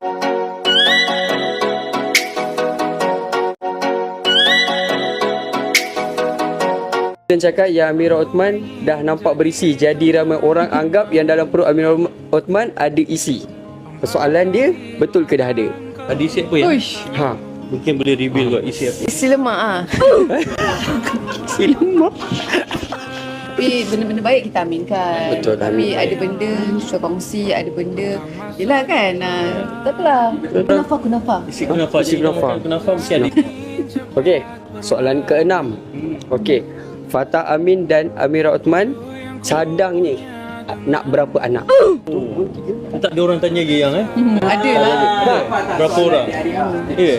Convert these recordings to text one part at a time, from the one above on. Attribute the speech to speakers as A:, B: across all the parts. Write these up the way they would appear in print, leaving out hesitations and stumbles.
A: Dan cakap yang Amirah Othman dah nampak berisi, jadi ramai orang anggap yang dalam perut Amirah Othman ada isi. Persoalan dia, betul ke dah ada?
B: Ada isi apa ya?
C: Uish,
A: Ha.
B: Mungkin boleh reveal kot isi apa.
C: isi lemak ah.
A: Isi lemak.
C: Tapi benda-benda baik kita aminkan.
A: Betul,
C: Tapi
A: amin.
C: ada benda kita kongsi, ada benda yelah kan. Tak apalah. Kenapa?
B: Isi kenapa?
A: Isi kenapa?
B: Kenapa mesti ada.
A: Okey, soalan ke-6. Okey, Fatah Amin dan Amirah Othman cadangnya nak berapa anak?
B: Tak ada orang tanya lagi yang
C: Ada lah.
B: berapa orang? Ya.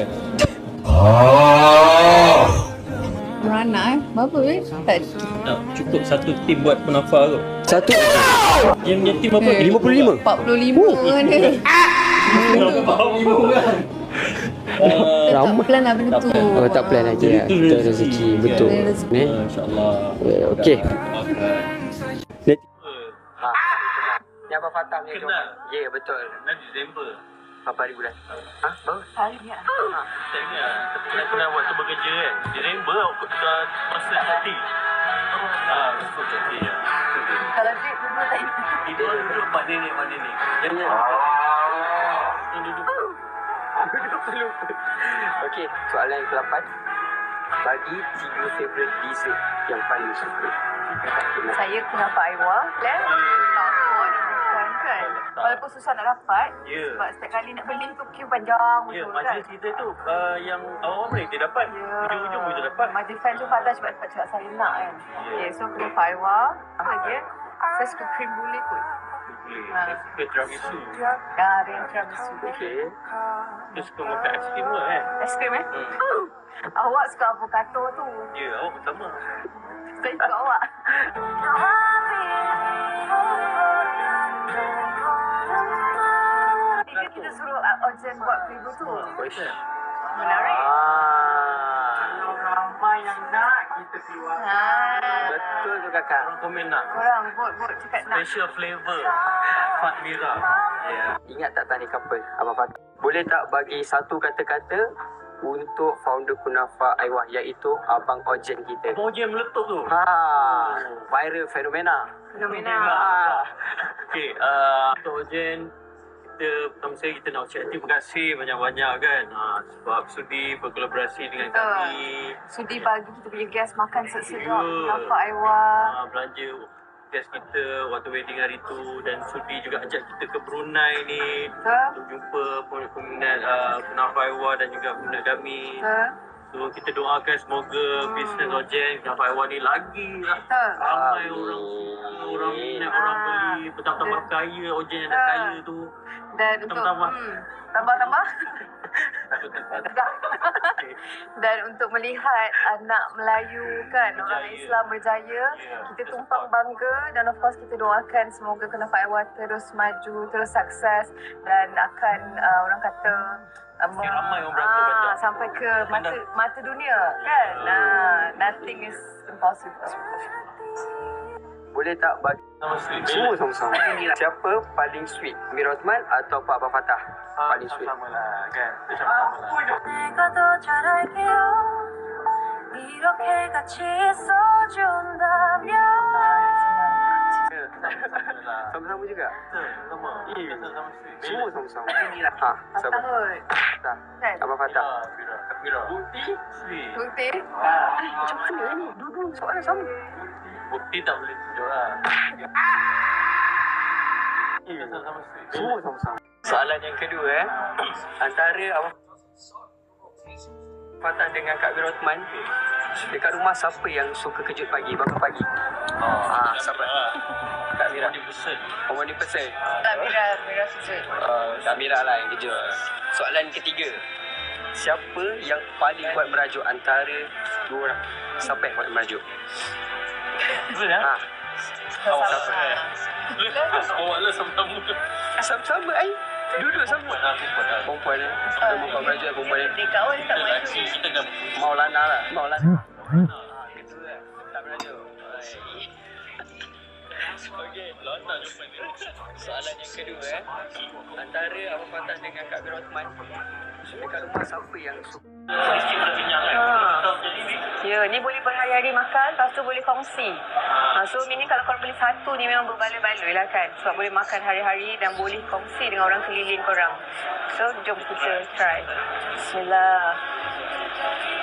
C: Beranak berapa Tak
B: Tak cukup satu tim buat penafar tu.
A: Satu.
B: Yang tim apa?
A: 55.
C: 45 mana. Tak plan lah benda tu.
A: Oh, tak plan lagi ya. Betul rezeki, betul. Ni.
B: Masya-Allah.
A: Okey. Ha. Yang Abang Fatah ni
D: Kenal.
A: Ya, betul.
D: Bulan Disember.
A: Berapa hari bulan? Ha? Baru?
C: Hari ni.
D: Tak ingat. Tapi kenal waktu bekerja kan. Disember aku dah masa cuti. Masa cuti ya.
C: Kalau dia dua tak ingat.
D: Duduk mak nenek.
A: Jangan.
D: Duduk.
A: Okey, soalan yang ke-8. Bagi 3 favorite dessert yang paling suka.
C: Saya kenapa Aiwa Plan Takut bukan kan. Walaupun susah nak dapat.
D: Ya.
C: Sebab setiap kali nak beli tu queue panjang
D: Ya,
C: betul kan.
D: majlis kita tu yang awal-awal boleh dia dapat. Ujung-ujung boleh dia dapat.
C: Majlis fan tu Fatah cepat-cepat cakap saya nak kan. Okay, so kenapa Aiwa. Apa lagi Saya suka cream brulee kot.
D: Boleh. Saya suka tiramisu.
C: Ada yang tiramisu.
A: Okey.
D: Dia suka makan aiskrim ke kan?
C: Aiskrim Awak suka avocado tu.
D: Ya, awak pertama.
C: Saya suka awak. Jika kita suruh Ojen buat preview tu. Menarik.
A: Ramai yang nak kita keluar. Betul tu kakak.
D: Orang komen nak.
C: Korang vote cakap nak.
D: Special flavor. Fat Mira. Ya.
A: Ingat tak tadi couple Abang Fatah? Boleh tak bagi satu kata-kata untuk founder Kunafa Aiwah, iaitu Abang Ojen kita?
D: Abang Ojen meletup tu.
A: Viral fenomena.
C: Fenomena.
D: Okey, Untuk Ojen, kita pertama sekali kita nak ucap terima kasih banyak-banyak kan. Sebab sudi berkolaborasi dengan kami.
C: Sudi bagi kita punya guest makan sedap-sedap.
D: Ya.
C: Nampak Aiwa.
D: Belanja guest kita waktu wedding hari tu, dan sudi juga ajak kita ke Brunei ni untuk jumpa peminat Kunafa Aiwah dan juga peminat kami. So kita doakan semoga bisnes Ojen Kunafa Aiwah ni lagi lah ramai orang minat, orang beli, bertambah kaya Ojen yang dah kaya tu.
C: Dan untuk
D: Tambah.
C: tambah dan untuk melihat anak Melayu kan, orang
D: Berjaya.
C: Islam berjaya, kita tumpang bangga, dan of course kita doakan semoga Kunafa Aiwah terus maju, terus sukses, dan akan orang kata
D: ramai orang beratur baca.
C: sampai ke mata dunia kan. Nothing is impossible.
A: Boleh tak bagi semua sama-sama? Siapa paling sweet? Amirah Othman atau Pak Abang Fatah? Paling sweet.
D: Sama lah kan. Dia sama-sama lah.
E: 내가 더 잘할게요 이렇게 같이 있어준다면
A: Sama-sama juga?
D: Sama. Sama sweet.
A: Semua sama-sama. Sabar.
C: Tahun
A: Fatah.
C: kan.
A: Abang Fatah.
D: Mira. Bukti sweet.
C: Bukti.
A: Macam mana ni? Dua-dua soalan sama.
D: Bukti tak boleh tunjuk lah. Sama sweet.
A: Semua sama-sama. Soalan yang kedua antara Abang Fatah dengan Kak Amirah Othman, dekat rumah siapa yang suka kejut pagi, bangun pagi? Siapa? Kak Amirah. Morning person.
C: Mira sujud.
A: Kak Amirah lah yang kejut. Soalan ketiga, siapa yang paling kuat merajuk antara dua orang? Siapa yang kuat merajuk?
D: Betul ya?
A: Siapa?
D: Awak lah sama-sama.
A: Sama-sama duduk sama. Perempuan Dia buka merajuk perempuan ni.
C: Dekat awal tak main
D: Lelaki kita dah
A: Maulana lah. Maulana. Gitu lah. Tak merajuk. Okey, Soalan yang kedua antara Abang Fatah dengan Kak Amir Othman, dekat rumah siapa yang suka?
C: Ya, ni boleh berhari-hari makan, lepas tu boleh kongsi. So, ini kalau korang beli satu ni memang berbaloi-baloi lah kan. Sebab boleh makan hari-hari dan boleh kongsi dengan orang keliling korang. So, jom kita try. Bismillah.